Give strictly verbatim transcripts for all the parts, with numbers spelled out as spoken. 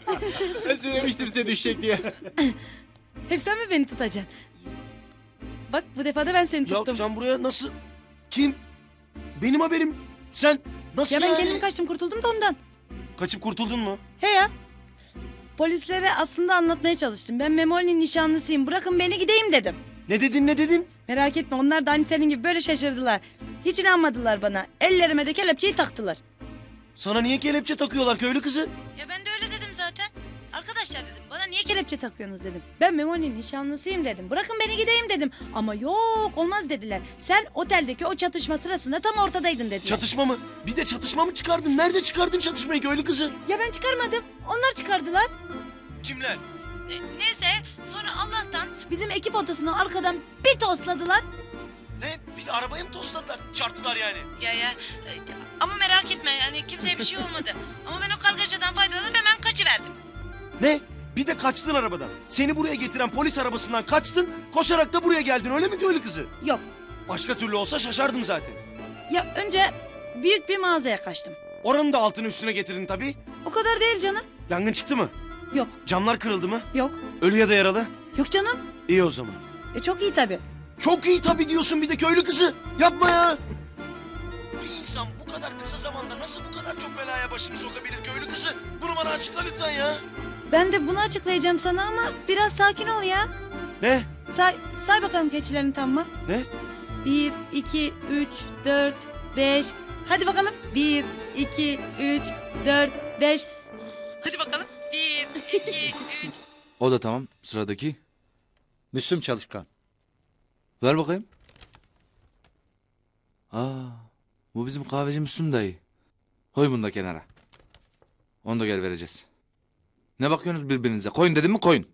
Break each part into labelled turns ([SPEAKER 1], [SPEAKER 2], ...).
[SPEAKER 1] Ben söylemiştim size düşecek diye.
[SPEAKER 2] Hep sen mi beni tutacaksın? Bak bu defa da ben seni
[SPEAKER 1] Ya
[SPEAKER 2] tuttum.
[SPEAKER 1] sen buraya nasıl... Kim? Benim haberim. Sen nasıl
[SPEAKER 2] Ya ben
[SPEAKER 1] yani?
[SPEAKER 2] kendim kaçtım kurtuldum da ondan.
[SPEAKER 1] Kaçıp kurtuldun mu?
[SPEAKER 2] He ya. Polislere aslında anlatmaya çalıştım. Ben Memoli'nin nişanlısıyım. Bırakın beni gideyim dedim.
[SPEAKER 1] Ne dedin ne dedin?
[SPEAKER 2] Merak etme onlar da aynı senin gibi böyle şaşırdılar. Hiç inanmadılar bana. Ellerime de kelepçeyi taktılar.
[SPEAKER 1] Sana niye kelepçe takıyorlar köylü kızı?
[SPEAKER 2] Ya ben de öyle dedim zaten. Arkadaşlar dedim bana niye kelepçe takıyorsunuz dedim. Ben Memoli'nin nişanlısıyım dedim. Bırakın beni gideyim dedim. Ama yok olmaz dediler. Sen oteldeki o çatışma sırasında tam ortadaydın dediler.
[SPEAKER 1] Çatışma mı? Bir de çatışma mı çıkardın? Nerede çıkardın çatışmayı köylü kızı?
[SPEAKER 2] Ya ben çıkarmadım. Onlar çıkardılar.
[SPEAKER 1] Kimler?
[SPEAKER 2] E, neyse sonra Allah'tan bizim ekip odasını arkadan bir tosladılar.
[SPEAKER 1] Ne? Bir de arabayı mı tosladılar? Çarptılar yani.
[SPEAKER 2] Ya ya e, ama merak etme yani kimseye bir şey olmadı. Ama ben o kargaşadan faydalanıp hemen kaçıverdim.
[SPEAKER 1] Ne? Bir de kaçtın arabadan. Seni buraya getiren polis arabasından kaçtın, koşarak da buraya geldin öyle mi köylü kızı?
[SPEAKER 2] Yok
[SPEAKER 1] Başka türlü olsa şaşardım zaten.
[SPEAKER 2] ya önce büyük bir mağazaya kaçtım.
[SPEAKER 1] Oranın da altını üstüne getirdin tabii.
[SPEAKER 2] O kadar değil canım.
[SPEAKER 1] Yangın çıktı mı?
[SPEAKER 2] Yok
[SPEAKER 1] Camlar kırıldı mı?
[SPEAKER 2] yok
[SPEAKER 1] Ölü ya da yaralı?
[SPEAKER 2] yok canım.
[SPEAKER 1] İyi o zaman.
[SPEAKER 2] E çok iyi tabii.
[SPEAKER 1] Çok iyi tabii diyorsun bir de köylü kızı. Yapma ya. Bir insan bu kadar kısa zamanda nasıl bu kadar çok belaya başını sokabilir köylü kızı? Bunu bana açıkla lütfen ya.
[SPEAKER 2] Ben de bunu açıklayacağım sana ama biraz sakin ol ya.
[SPEAKER 1] Ne?
[SPEAKER 2] Say, say bakalım keçilerin tam mı?
[SPEAKER 1] Ne?
[SPEAKER 2] Bir, iki, üç, dört, beş. Hadi bakalım. Bir, iki, üç, dört, beş. Hadi bakalım. Bir, iki, üç.
[SPEAKER 3] O da tamam. Sıradaki.
[SPEAKER 4] Müslüm Çalışkan.
[SPEAKER 3] Ver bakayım. Aa, bu bizim kahveci Müslüm dayı. Koy bunu da kenara. Onu da gel vereceğiz. Ne bakıyorsunuz birbirinize? Koyun dedim mi koyun.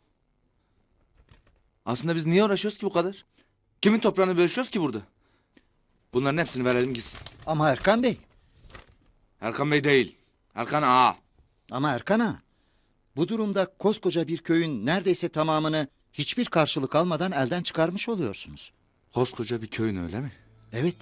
[SPEAKER 3] Aslında biz niye uğraşıyoruz ki bu kadar? Kimin toprağını bölüşüyoruz ki burada? Bunların hepsini verelim gitsin.
[SPEAKER 4] Ama Erkan Bey.
[SPEAKER 3] Erkan Bey değil. Erkan ağa.
[SPEAKER 4] Ama Erkan Ağa. Bu durumda koskoca bir köyün neredeyse tamamını hiçbir karşılık almadan elden çıkarmış oluyorsunuz.
[SPEAKER 3] Koskoca bir köyün öyle mi?
[SPEAKER 4] Evet.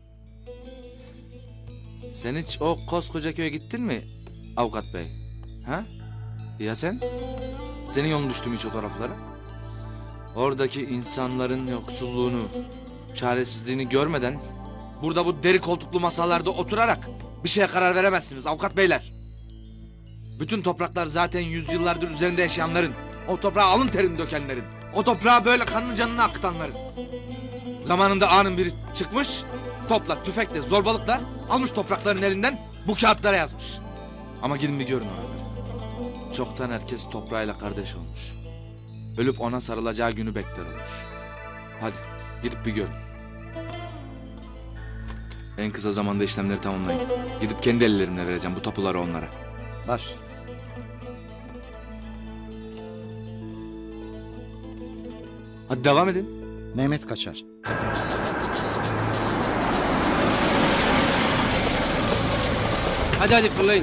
[SPEAKER 3] Sen hiç o koskoca köye gittin mi avukat bey? Ha? Ya sen? Senin yolun düştü mü hiç o taraflara? Oradaki insanların yoksulluğunu, çaresizliğini görmeden... ...burada bu deri koltuklu masalarda oturarak bir şeye karar veremezsiniz avukat beyler. Bütün topraklar zaten yüzyıllardır üzerinde yaşayanların, o toprağa alın terini dökenlerin, o toprağa böyle kanını canını akıtanların. Zamanında ağanın biri çıkmış, topla, tüfekle, zorbalıkla almış toprakların elinden bu kağıtlara yazmış. Ama gidin bir görün oraları. Çoktan herkes toprağıyla kardeş olmuş. Ölüp ona sarılacağı günü bekler olmuş. Hadi gidip bir görün. En kısa zamanda işlemleri tamamlayın. Gidip kendi ellerimle vereceğim bu tapuları onlara.
[SPEAKER 4] Baş.
[SPEAKER 3] Hadi devam edin.
[SPEAKER 4] Mehmet Kaçar.
[SPEAKER 5] Hadi hadi fırlayın.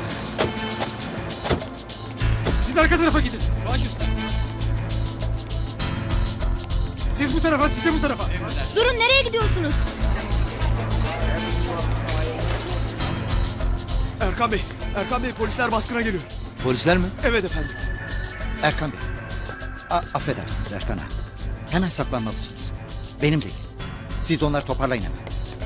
[SPEAKER 1] Siz arka tarafa gidin. Baş üstüne. Siz bu tarafa, siz de bu tarafa.
[SPEAKER 6] Durun nereye gidiyorsunuz?
[SPEAKER 1] Erkan Bey, Erkan Bey polisler baskına geliyor.
[SPEAKER 3] Polisler mi?
[SPEAKER 1] Evet efendim.
[SPEAKER 4] Erkan Bey. A affedersiniz Erkan Ağa. Hemen saklanmalısınız. Benim değil. Siz de onları toparlayın hemen.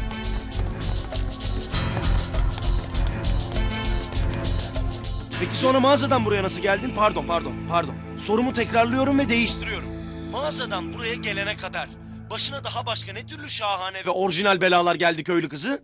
[SPEAKER 1] Peki sonra mağazadan buraya nasıl geldin? Pardon, pardon, pardon. Sorumu tekrarlıyorum ve değiştiriyorum. Mağazadan buraya gelene kadar başına daha başka ne türlü şahane ve orijinal belalar geldi köylü kızı?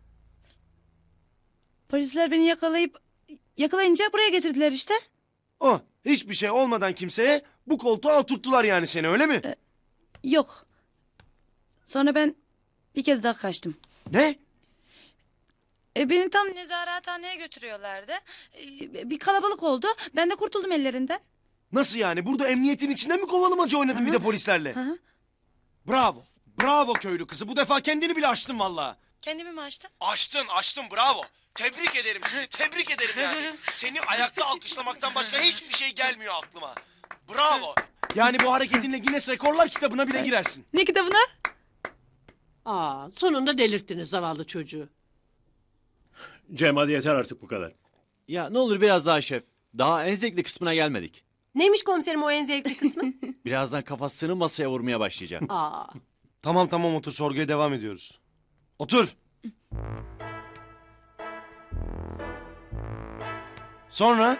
[SPEAKER 2] Polisler beni yakalayıp yakalayınca buraya getirdiler işte.
[SPEAKER 1] Oh, hiçbir şey olmadan kimseye bu koltuğa oturttular yani seni öyle mi?
[SPEAKER 2] Yok. Sonra ben bir kez daha kaçtım.
[SPEAKER 1] Ne?
[SPEAKER 2] E, beni tam nezarethaneye götürüyorlardı. E, bir kalabalık oldu. Ben de kurtuldum ellerinden.
[SPEAKER 1] Nasıl yani? Burada emniyetin içinde mi kovalamaca oynadın bir de polislerle?
[SPEAKER 2] Hı hı.
[SPEAKER 1] Bravo. Bravo köylü kızı. Bu defa kendini bile aştın vallahi.
[SPEAKER 2] Kendimi mi açtım?
[SPEAKER 1] Aştın, aştın. Bravo. Tebrik ederim sizi. Tebrik ederim yani. Seni ayakta alkışlamaktan başka hiçbir şey gelmiyor aklıma. Bravo. Yani bu hareketinle Guinness Rekorlar kitabına bile girersin.
[SPEAKER 2] Ne kitabına?
[SPEAKER 7] Aa, sonunda delirttiniz zavallı çocuğu.
[SPEAKER 8] Cem hadi yeter artık bu kadar.
[SPEAKER 5] Ya ne olur biraz daha şef.
[SPEAKER 8] Daha en zevkli kısmına gelmedik.
[SPEAKER 7] Neymiş komiserim o en zevkli kısmı?
[SPEAKER 8] Birazdan kafasını masaya vurmaya başlayacak.
[SPEAKER 7] Aa.
[SPEAKER 1] Tamam tamam otur, sorguya devam ediyoruz. Otur. Sonra?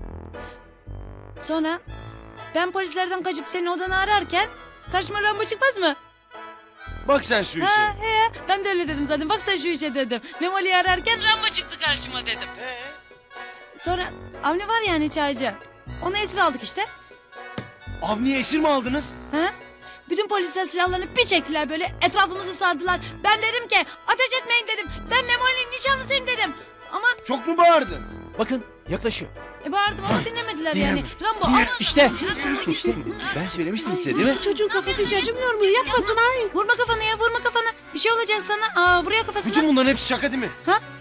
[SPEAKER 2] Sonra ben polislerden kaçıp senin odanı ararken karşıma Rambo çıkmaz mı?
[SPEAKER 1] Bak sen şu işe.
[SPEAKER 2] Ha he ben de öyle dedim zaten. Bak sen şu işe dedim. Memoli'yi ararken Rambo çıktı karşıma dedim.
[SPEAKER 1] Ee?
[SPEAKER 2] Sonra Avni var yani çaycı. Onu esir aldık işte.
[SPEAKER 1] Avni'yi esir mi aldınız?
[SPEAKER 2] Ha? Bütün polisler silahlarını bir çektiler böyle etrafımızı sardılar. Ben dedim ki ateş etmeyin dedim. Ben Memoli'nin nişanlısıyım dedim. Ama
[SPEAKER 1] Çok mu bağırdın?
[SPEAKER 8] Bakın yaklaşıyor.
[SPEAKER 2] e, bağırdım ama dinlemediler yani. Rambo aman
[SPEAKER 8] İşte.
[SPEAKER 2] sana ya.
[SPEAKER 8] İşte ben söylemiştim size değil mi?
[SPEAKER 7] Çocuğun kafası hiç acımıyor mu? Yapmasın ay.
[SPEAKER 2] Vurma kafanı ya vurma kafanı. Bir şey olacak sana. Aa, vuruyor kafasına.
[SPEAKER 1] Bütün bunların hepsi şaka değil mi?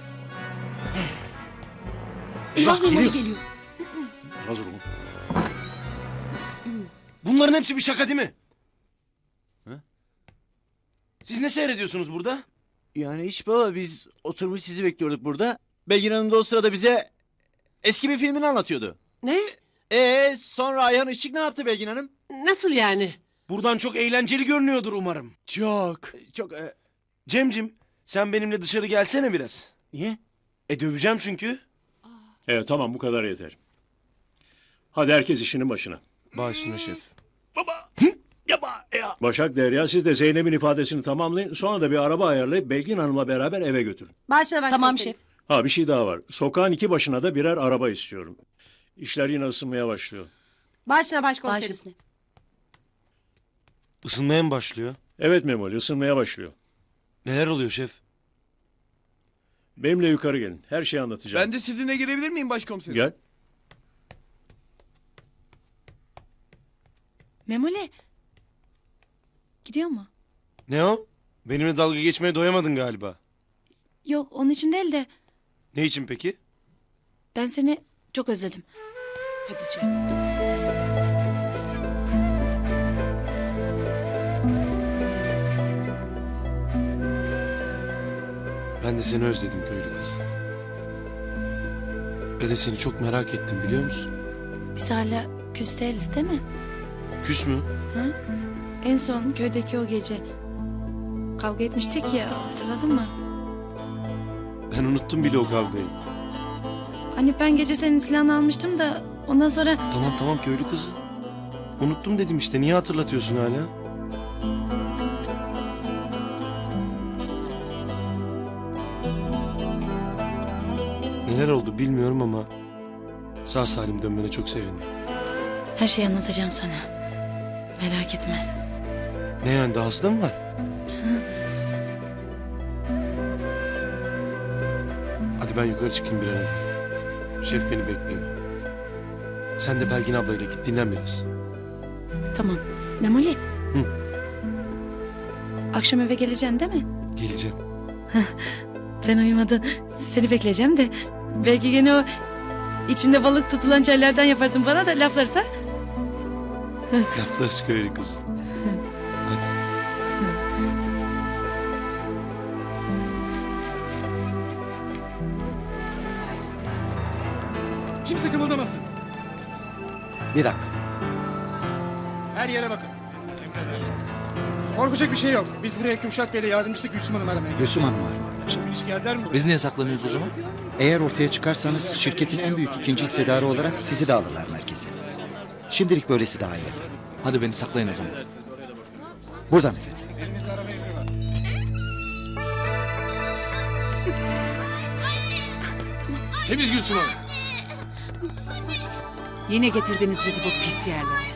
[SPEAKER 8] Eyvah geliyor.
[SPEAKER 7] geliyor.
[SPEAKER 1] Hazır olun. Bunların hepsi bir şaka değil mi?
[SPEAKER 8] Hı?
[SPEAKER 1] Siz ne seyrediyorsunuz burada?
[SPEAKER 8] Yani hiç baba biz oturmuş sizi bekliyorduk burada. Belgin Hanım da o sırada bize eski bir filmini anlatıyordu.
[SPEAKER 7] Ne?
[SPEAKER 8] Ee sonra Ayhan Işık ne yaptı Belgin Hanım?
[SPEAKER 7] Nasıl yani?
[SPEAKER 1] Buradan çok eğlenceli görünüyordur umarım.
[SPEAKER 8] Çok. Çok. E,
[SPEAKER 1] Cemcim, sen benimle dışarı gelsene biraz.
[SPEAKER 8] niye?
[SPEAKER 1] E döveceğim çünkü.
[SPEAKER 9] Evet tamam bu kadar yeter. Hadi herkes işinin başına.
[SPEAKER 1] Baş üstüne şef.
[SPEAKER 9] Baba. Yaba ya. Başak Derya siz de Zeynep'in ifadesini tamamlayın. Sonra da bir araba ayarlayıp Belgin Hanım'la beraber eve götürün.
[SPEAKER 7] Başla başla.
[SPEAKER 6] Tamam şef.
[SPEAKER 9] Ha bir şey daha var. Sokağın iki başına da birer araba istiyorum. İşler yine ısınmaya başlıyor.
[SPEAKER 7] Başla
[SPEAKER 6] Baş
[SPEAKER 7] başkomiserim.
[SPEAKER 6] üstüne.
[SPEAKER 1] Isınmaya mı başlıyor?
[SPEAKER 9] Evet Memoli ısınmaya başlıyor.
[SPEAKER 1] Neler oluyor şef?
[SPEAKER 9] Benimle yukarı gelin. Her şeyi anlatacağım.
[SPEAKER 10] Ben de sizinle girebilir miyim başkomiserim?
[SPEAKER 9] Gel.
[SPEAKER 2] Memoli. Gidiyor mu?
[SPEAKER 1] Ne o? Benimle dalga geçmeye doyamadın galiba.
[SPEAKER 2] Yok onun için değil de
[SPEAKER 1] Ne için peki?
[SPEAKER 2] ben seni çok özledim.
[SPEAKER 7] Hadi canım.
[SPEAKER 1] Ben de seni özledim köylü kız. Ve de seni çok merak ettim biliyor musun?
[SPEAKER 2] Biz hala küs değiliz değil mi?
[SPEAKER 1] Küs mü?
[SPEAKER 2] En son köydeki o gece kavga etmiştik ya hatırladın mı?
[SPEAKER 1] Ben unuttum bile o kavgayı.
[SPEAKER 2] Hani ben gece senin silahını almıştım da ondan sonra
[SPEAKER 1] Tamam tamam köylü kızı. Unuttum dedim işte, niye hatırlatıyorsun hala? Neler oldu bilmiyorum ama sağ salim dönmene çok sevindim.
[SPEAKER 2] her şeyi anlatacağım sana. Merak etme.
[SPEAKER 1] Ne yani, daha hasta mı var? Hadi ben yukarı çıkayım bir an evvel. Şef beni bekliyor. Sen de Belgin ablayla git dinlen biraz.
[SPEAKER 2] Tamam. Memoli.
[SPEAKER 1] Hı.
[SPEAKER 2] Akşam eve geleceksin değil mi?
[SPEAKER 1] Geleceğim.
[SPEAKER 2] Ben uyumadan seni bekleyeceğim de belki gene o içinde balık tutulan çaylardan yaparsın bana da laflarsa.
[SPEAKER 1] Laflarız köylü kız. Hadi.
[SPEAKER 10] Kimse kımıldamasın.
[SPEAKER 4] Bir dakika.
[SPEAKER 10] Her yere bakın. Korkacak bir şey yok. Biz buraya Kürşat Bey'le yardımcısı Gülsüm Hanım aramaya geldik.
[SPEAKER 4] Gülsüm Hanım arıyorlar.
[SPEAKER 10] Hiç geldiler mi buraya?
[SPEAKER 3] Biz niye saklanıyoruz o zaman?
[SPEAKER 4] Eğer ortaya çıkarsanız şirketin en büyük ikinci hissedarı olarak sizi de alırlar merkeze. Şimdilik böylesi daha iyi efendim.
[SPEAKER 3] Hadi beni saklayın o zaman.
[SPEAKER 4] Buradan efendim.
[SPEAKER 10] Elinizde arama emri var. Temiz Gülsüm Hanım.
[SPEAKER 11] Yine getirdiniz bizi bu pis yerlere.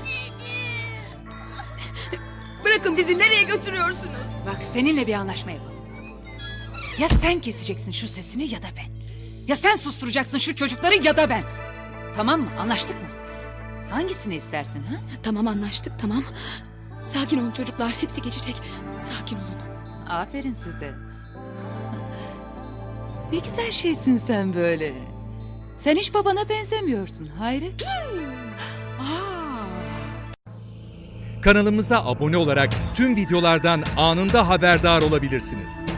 [SPEAKER 6] Bırakın bizi, nereye götürüyorsunuz?
[SPEAKER 11] Bak seninle bir anlaşma yapalım. Ya sen keseceksin şu sesini ya da ben. Ya sen susturacaksın şu çocukları ya da ben. Tamam mı? Anlaştık mı? Hangisini istersin ha?
[SPEAKER 6] Tamam anlaştık tamam. Sakin olun çocuklar, hepsi geçecek. Sakin olun.
[SPEAKER 11] Aferin size. Ne güzel şeysin sen böyle. Sen hiç babana benzemiyorsun. Hayret. Aa.
[SPEAKER 12] Kanalımıza abone olarak tüm videolardan anında haberdar olabilirsiniz.